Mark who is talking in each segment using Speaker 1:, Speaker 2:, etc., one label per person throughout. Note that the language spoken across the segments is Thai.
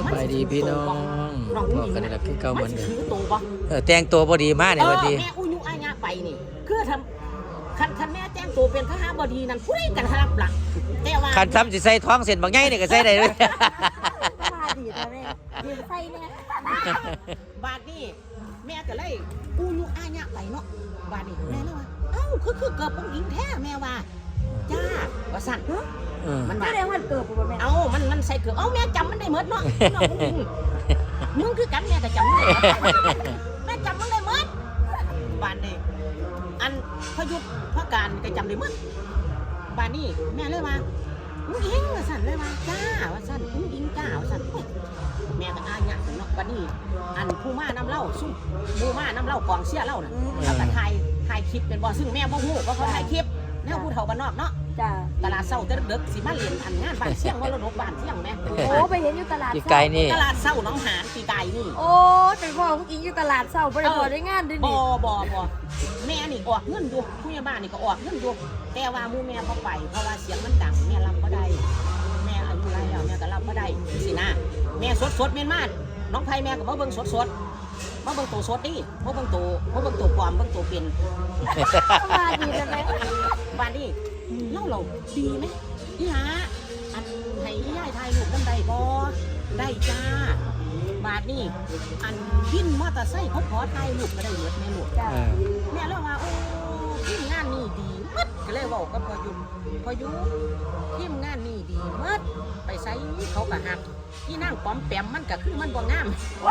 Speaker 1: ไปดีพี่น้อง
Speaker 2: น้อง
Speaker 1: บอกกันนี่แหละคือเก่าเหมือนเดิม
Speaker 2: ถือตัวบ่
Speaker 1: แต่งตัวบ่ดีมากเนี่ยวันดี
Speaker 2: แม่อุยุอาญะไปนี่คือทำคันแม่แต่งตัวเป็นทหารบดีนั่นผู้ใดกันรับหลักแต่ว่า
Speaker 1: คันซ้ำสิใส่ท้องเส้นบางใหญ่นี่ก็ใส่ได้เลย
Speaker 3: มาดีนะแม่ยืมไส้เนี่ย
Speaker 2: บาดนี้แม่ก็เลยอุยุอาญะไปเนาะบาดนี้แม่เลยว่าเอ้าคือเกิดองค์หญิงแท้แม่ว่าจ้าว่าสั่นมัน
Speaker 3: แส
Speaker 2: ว่า
Speaker 3: ดงวันเกิดผมแม่
Speaker 2: เอ้ามันใส่เกือบเอ้าแม่จำมันได้หมดเนาะน้ององค์หญิงมึงคือกันแม่ก็จำมันได้หมดแม่จำมันได้หมดบาดนี้อันพยุทธพการก็จำได้หมดบาดนี้แม่เลยว่าอุ้งอิงว่าสั่นเลยว่าจ้าว่าสั่นอุ้งอิงจ้าว่าสั่นแม่ก็อาญะเนาะบาดนี้อันผู้มาน้ำเล่าซุ่มผู้มาน้ำเล่ากองเสียเล่าน่ะแล้วก็ถ่ายคลิปเป็นบ่ซึ่งแม่บ่ฮู้ว่าเขาถ่ายคลิปแนวผู้เฒ่าบ้านนอกเนาะ
Speaker 3: จ้า
Speaker 2: ตลาดเศร้าแต่ดึกๆสิมาเรียนอันงานบ้านเสี่ยงมรดกบ้านเสี่ยงแม่
Speaker 3: โอ้ไปเห็นอยู่ตลาด
Speaker 1: ที่ไกลนี่
Speaker 2: ตลาดเศร้าหนองหานปีไก่นี่
Speaker 3: โอ้เป็นพ่อผู้หญิงอยู่ตลาดเศร้าบริบทได้งานด้วย
Speaker 2: บ่
Speaker 3: นี่
Speaker 2: บ่แม่นี่ออกเงินอยู่ผู้ใหญ่บ้านนี่ก็ออกเงินอยู่แต่ว่าหมู่แม่บ่ไปเพราะว่าเสียงมันดังแม่รับบ่ได้แม่อายุหลายแล้วแม่ก็รับบ่ได้สินะแม่สดๆแม่นมากน้องไผแม่ก็มาเบิ่งสดๆมาเบิ่งตัวสดนี่มาเบิ่งตัวปลอมเบิ่งตัวเป็น
Speaker 3: มาดีนะแม่
Speaker 2: บ้านนี่เราดีไหมพี่หาอันให้ย่ายถ่ายรูปนำใดบ่ได้จ้าบาดนี่อันพินมอเตอร์ไซค์เขาขอถ่ายรูปก็ได้หมดแม่ลูก
Speaker 3: จ้า
Speaker 2: แม่เลยว่าโอ้ทีมงานนี่ดีมัดก็เลยบอกกับพอยุทีมงานนี่ดีมัดไปใส่เขากะหักที่นั่งป้อมแปมมันก็คือมันบ่งาม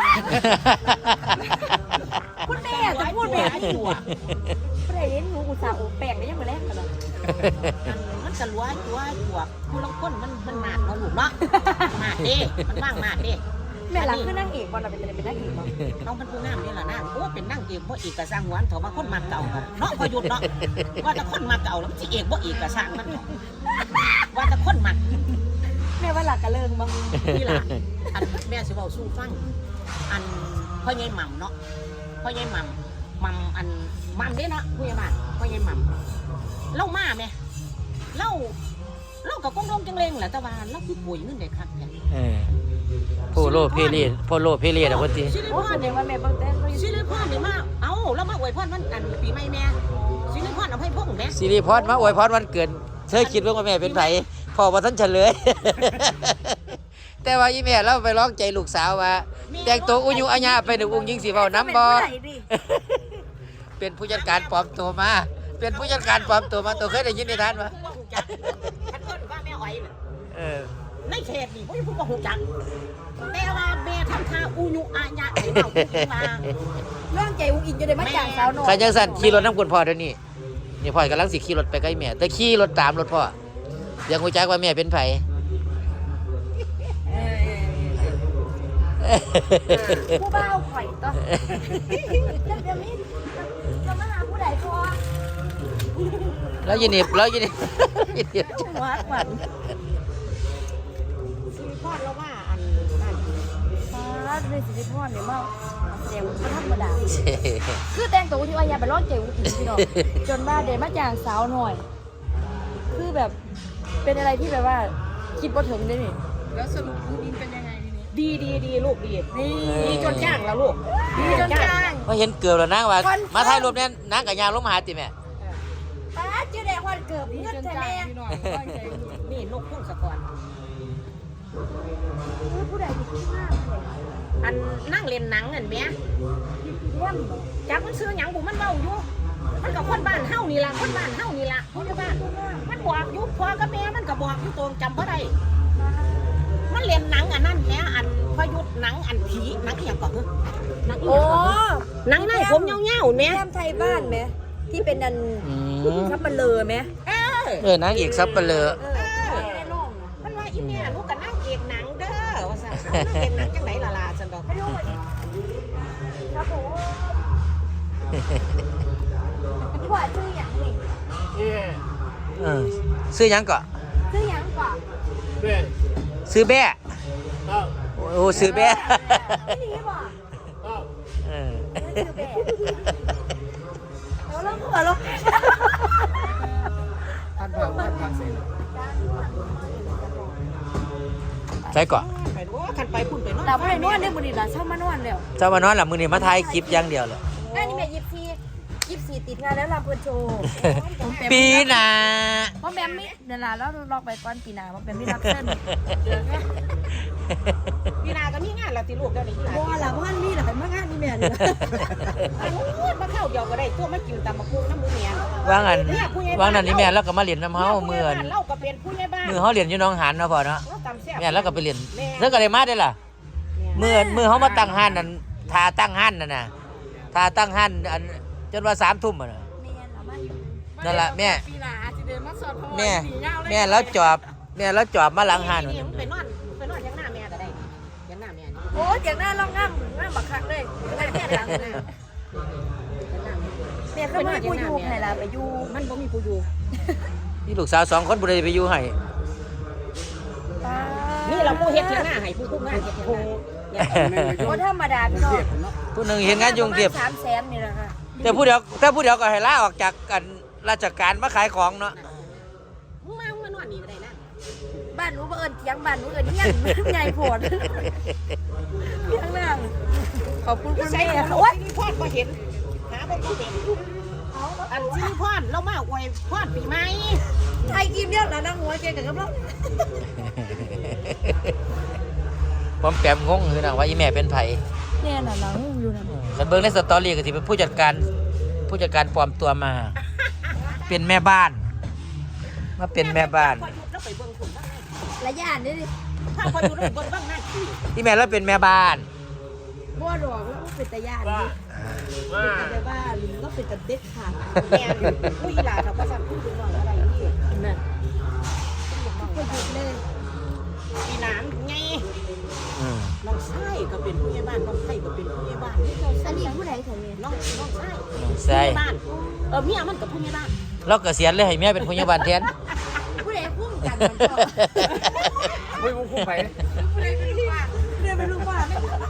Speaker 3: คุณแม่จะพูดแบบนี้อยู่ประเด็นหนูอุตส่าห์โอแปลงได้ยังไงแรกกันเลย
Speaker 2: มันก็ลัวผู้ลังคนมันหนาดเนาะลูกเนาะหนาดเด้มันว่างหนาดเด้
Speaker 3: แม่หลังคือนั่งเอกบอลเราเป็นนั่งเอกบอล
Speaker 2: น้องเป็นผู้งามนี่แหละนะโอ้เป็นนั่งเอกบ่เอกกะสร้างหวนเถอะมาคนมาเก่าเนาะพอหยุดเนาะว่าแต่คนมาเก่าแล้วมันสิเอกบ่เอกกะสร้างมันเนาะว่าแต่คนมา
Speaker 3: แม่ว่าหลักกระเลิงบ้าง
Speaker 2: นี่ล่ะอันแม่สิเว้าสู้ฟังอันพ่อใหญ่หม่ำเนาะพ่อใหญ่หม่ำอันหม่ำเด้เนาะผู้ใหญ่บ้านพ่อใหญ่หม่ำเล่ามาแม่เล่ากับกงลงจังเลงแหละแต่ว่าเล่าคือป่วยเงินได้คักแท้
Speaker 1: พ่อโลเพลียดอะวันที
Speaker 2: สิริ
Speaker 3: โอ้
Speaker 2: พร
Speaker 3: เดี๋
Speaker 2: เนี่ย
Speaker 3: ยวว่าแม่บางแต่ก็อยู่
Speaker 2: สิริพรนี่มาเอาแล้วมาอวยพรวันอันปีใหม่แม่สิริพรเอาให้พวกแม่
Speaker 1: สิริพรมาอวยพรวันเกิดเธอคิดว่าแม่เป็นไผพ่อว่าท่านเฉลย แต่ว่าอีแม่เราไปร้องใจลูกสาวว่าแต่งตัวอุยุอาญาไปหนึ่งองค์หญิงสีเฝ้าน้ำบ่เป็นผู้จัดการปลอมตัวมาเป็นผู้จัดการปลอมตัวมาตัวเคยได้ยินในทานปะ
Speaker 2: ผู้ว่าหูจักฉันเอิ้นว่าแม่อ้อยน่ะ ในเขตนี่ผู้ว่าหูจักแต่ว่าแม่ทำท่าอุยุอาญะให้เราผู้ว่า
Speaker 3: เรื่องใจอุ้งอินจะได้มาจ้างสาวน้อย
Speaker 1: ใครจังสันขี่รถน้ำคุณพ่อเดี๋ยวนี้นี่พ่อกำลังสิขี่รถไปใกล้แม่แต่ขี่รถตามรถพ่อยังหูจักว่าแม่เป็นไผ
Speaker 3: ผู้บ่าวข่อยต่อจะมีจะมาหาผู้ใดพอ
Speaker 1: แล้วยินดียินดี
Speaker 3: หัวขวัญ
Speaker 2: สิริพรแล้วว่าอันนั่น
Speaker 3: ฟ้าในสิริพรเนี่ยมาแสดงว่าธรรมดาคือแต่งตัวที่ว่าอย่าไปร้องใจอุ้งอินพี่น้องจนว่าเดมาจ้างสาวหน่อย คือแบบเป็นอะไรที่แบบว่าคิดบ่ถึงได้นี่
Speaker 4: แล้วสรุปอุ้งอิงเป็นยังไงทีนี้
Speaker 2: ดีลูกดี
Speaker 3: นี่
Speaker 2: ดีจนจ้างแล้วลูก
Speaker 3: ดีจนจ้าง
Speaker 1: มาเห็นเกือบแล้วนางว่ามาถ่ายรูปเนี่ยนางกับยางลงมาหาติแม่
Speaker 3: ป้าชื่อแดงวันเกิด
Speaker 4: ดี
Speaker 3: เพื่อน
Speaker 4: จน
Speaker 3: แท้
Speaker 4: จ่าย
Speaker 3: แม่
Speaker 4: พี่หน่อยตั้งใจดู
Speaker 2: นี่นกพุ่งสะกอน
Speaker 3: ผู้ใดที่ขี้มากเลย
Speaker 2: อันนั่งเล่นหนังเห็นไหม
Speaker 3: เยี่ยมเลย
Speaker 2: จากมันซื้อหยังบุมันเมาอยู่มันกับคนบ้านเฮานี่ล่ะคนบ้านเฮานี่ล่ะคนบ้านมันบอกอยู่พ่อกับแม่มันก็บอกอยู่ตรงจำบ่ได้มันเล่นหนังอันนั้นแหมอันพยุทธ์หนังอันผีหนังอหย่างก่อนเหรอหนังอีห
Speaker 3: โอ้
Speaker 2: ยังหนังในผมเงี้ยวๆแหม
Speaker 3: แก้มไทยบ้านไหมที่เป็นอันทับมันเลอไหม
Speaker 1: นางเอกซับเปลือ
Speaker 3: ในโลก
Speaker 2: มันว่าอีแม่ลูกกับนางเอกหนังเด้อว่าซั่นนางเอกหนังจังไหนล่ะสันดอก
Speaker 3: ไม่รู้ครับผมพี่ว่าชื่ออย่างนี่
Speaker 1: ซื้อหยังก่อน
Speaker 3: ชื่ออย่างกว่า
Speaker 1: ซื้อแบ่โอ้ซื้อแบ่
Speaker 3: ไม่ดีป่ะชื่อแบะแล้วหัวเรา
Speaker 4: ท่านพังเสร็จ
Speaker 1: ใช่ก่อน
Speaker 2: ไปโอ้คันไปพุ่นไปนอน
Speaker 3: แต่บ่ได้นอนเด้อมื้อนี้ล่ะเช้ามานอนแล้ว
Speaker 1: เจ้ามานอนหลับมือนี่มาถ่ายคลิปอย่างเดียวเลย
Speaker 3: งานนี้แม่24ติดงานแล้วลำเพิ่นโชว์
Speaker 1: ปีหน้า
Speaker 3: บ่แม่มีเดี๋ยวล่ะแล้วลอกไปก่อนปีหน้าบ่แม่มีรับเชิญ
Speaker 2: พี่นาก็มีงานแล้วติลูกเดี๋ยวนี้พี่นา
Speaker 3: บ่ล่ะบ่ทันมีล่ะมางานนี่แม่นี่
Speaker 2: มาเข้าเดียวก็ได้ตัวมากินตำมะพุงน้ำมือเมีย
Speaker 1: ว่างอันว่างนั้นนี่แม่แล้วก็มาเรียนน้ำเฮาเมื่อน
Speaker 2: เราก็เป็นผู้ใหญ่บ้าน
Speaker 1: มือเฮาเรียนอยู่หน้องหานเนาะพ่อเนาะ
Speaker 2: เราตำแซ่บ
Speaker 1: แม่แล้วก็ไปเรียนแล้วก็ได้มาได้ล่ะมือเฮามาตั้งห้านนั่นทาตั้งห้านนั่นน่ะทาตั้งห้านอันจนว่า3 ทุ่มอ่ะน่ะ
Speaker 3: แม่ล่ะมาอยู่
Speaker 1: นั่นล่ะแม่
Speaker 4: ปีหน้าอาจจะเดินมาสอนพ่อ
Speaker 1: แม่
Speaker 4: สีเงาเลย
Speaker 1: แม่แล้วจอบแม่แล้วจอบมาหลังห้าน
Speaker 2: นี่
Speaker 1: นั่น
Speaker 2: ไปนอนยังหน้าแม่ก็ได้ยังหน้าแม่นี่
Speaker 3: โอ้ยอย่างหน้าลองงามบักคักเลยแม่หลังเลยแม่คือบ่มีผู้อยู่ให้ล่ะไปอยู่
Speaker 2: มันบ่มีผู้อยู่
Speaker 1: นี่ลูกสาว2 คนบ่ได้ไปอยู่ให้
Speaker 2: นี่เราผู้เฮ็ดเทียงหน้าให้ผู้คุมงานเฮ็ดเทียงหน้า
Speaker 3: บ่ธรรมดาพี่น้อง
Speaker 1: ผู้หนึงเฮ็ดงานอยู่กรุงเทพ
Speaker 3: 300,000นี่ล่ะค่ะ
Speaker 1: แต่ผู้เดียวก็ให้ลาออกจากกันราชการมาขายของเนาะ
Speaker 2: มึงมานอนนี่ก็ได้นะ
Speaker 3: บ้านหนูบ่เอิ้นเถียงบ้านหนูเอิ้นเฮียนใหญ่โพดเถียงหน้าขอบคุณคุณ
Speaker 2: ใส่
Speaker 3: แม่
Speaker 2: หัว
Speaker 3: โอ๊ย
Speaker 2: ซิลิพอนก็เห็นหาบ่เห็นอันซิลิพอนเรามาอวยพรปีใหม่
Speaker 3: ไทยกินเนี่ยแล้วนั่งหัวเกกับกำลัง
Speaker 1: ผมแปมงงคือนะว่าอีแม่เป็นไผ
Speaker 3: เนี่ยน่ะนั่งอยู่นั่น
Speaker 1: คันเบิ่งในสตอรี่ก็สิเป็นผู้จัดการปลอมตัวมา เป็นแม่บ้าน มาเป็นแม่บ้าน
Speaker 2: พอหยุดแล้วไปเบิ่งผลบ้าง
Speaker 3: ระยะนี่ดิ
Speaker 2: ถ้าพอหยุดแล้วไปเบิ่งบ้างหน้าที่
Speaker 1: อีแม่แล้วเป็นแม่บ้าน
Speaker 3: บ่ดอกแล้วเป็นตะยานดิเป็นแต่บ้านก็เป็นแต่เด็ดขาด
Speaker 2: แม่ผู้อีหลาเขาก็สั่งผู้ดูน้องอะไรนี่
Speaker 3: นั่นก็หยุดเลย
Speaker 2: ปีหนานไง
Speaker 1: อืม
Speaker 2: น้องชายก็เป็นผู้ใหญ่บ้านน้องไส้ก็เป็นผู้ใหญ่บ้านนี่เจ้า
Speaker 3: อันนี้ผู้ใดแถวนี้
Speaker 2: น้องชาย
Speaker 1: ใช่
Speaker 2: ผู้ใหญ่บ้านเมียมันกับผู้ใหญ่บ้าน
Speaker 1: เราเกษียณเลยให้แม่เป็นผู้ใหญ่บ้านแทน
Speaker 3: ผู้ใดพุ่งกันมันก็
Speaker 1: ไม่คุ้มไป
Speaker 3: ผู้ใดเป็นลูกบ้านผู้ใดเป็นลูกบ้าน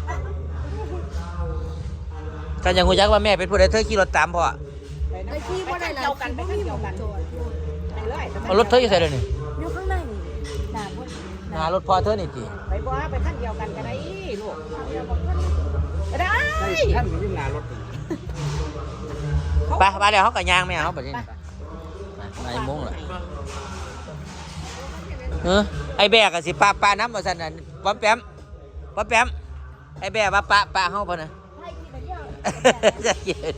Speaker 1: ถ้ายังฮู้จักว่าแม่เป็นผู้ใดเธอขี่รถตามพ่อ
Speaker 3: ไอ้ที่บ่ได้หลาย
Speaker 2: เดียวกันไป
Speaker 3: บ่
Speaker 2: ขั้น
Speaker 3: มี
Speaker 2: เดี
Speaker 3: ห
Speaker 2: ยว
Speaker 3: ม
Speaker 2: กัน
Speaker 3: จอด
Speaker 2: ไปเรื่อย
Speaker 1: เอารถเธออยู่ไสเดี๋ยวนี้
Speaker 3: อยู่ข้างในนี่ด่าบ่
Speaker 1: หน้ารถพ่อเธอนี่ติ
Speaker 2: ไปบ่ไปขั้นเดียวกันก็ได้ลูกได้
Speaker 5: ท่านอยู่ที่งานรถ
Speaker 1: ไปเดี๋ยวเฮาก็ย่างแม่เฮาบัดนี้ไปโมงล่ะไอ้แบกก็สิปาน้ำว่าซั่นน่ะป้อมแปมไอ้แบกว่าปะเฮาบ่น่ะ จะเย็น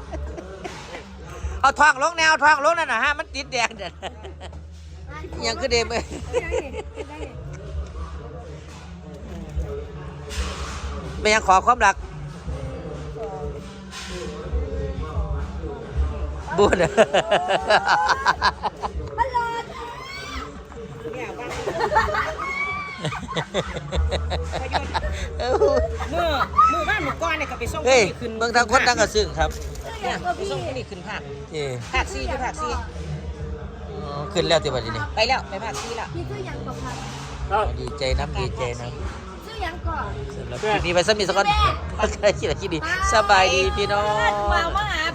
Speaker 1: เอาทองลงแนวทองลงนั่นนะฮะมันติดแดงเด่นยังคือเดิมเลยไม่ยังขอความรักบุญ
Speaker 2: เนี่ยบ้าน
Speaker 1: เอ้า
Speaker 2: มือบ้านหมู่ก้อนเนี่ยก็ไปส่ง
Speaker 1: เฮ้ย
Speaker 2: ขึ้น
Speaker 1: เมืองทางคนทางกระซึ่งครับ
Speaker 2: ไปส่งที่นี่ขึ้นภาค
Speaker 1: เอ้
Speaker 2: ภาคซีคือภาคซี
Speaker 1: ขึ้นแล้วที่บัดนี้
Speaker 2: ไปแล้วไปภาคซีแล้ว
Speaker 3: พี่ชื่อยังก่อนค่ะ
Speaker 1: ดีใจน้ำดีใจน้ำ
Speaker 3: ชื่อยังก่อน
Speaker 1: สำหรับคลิปนี้ไปสมีสกอนใครคิดอะไรคิดดีสบายดีพี่น้อง
Speaker 3: มาหา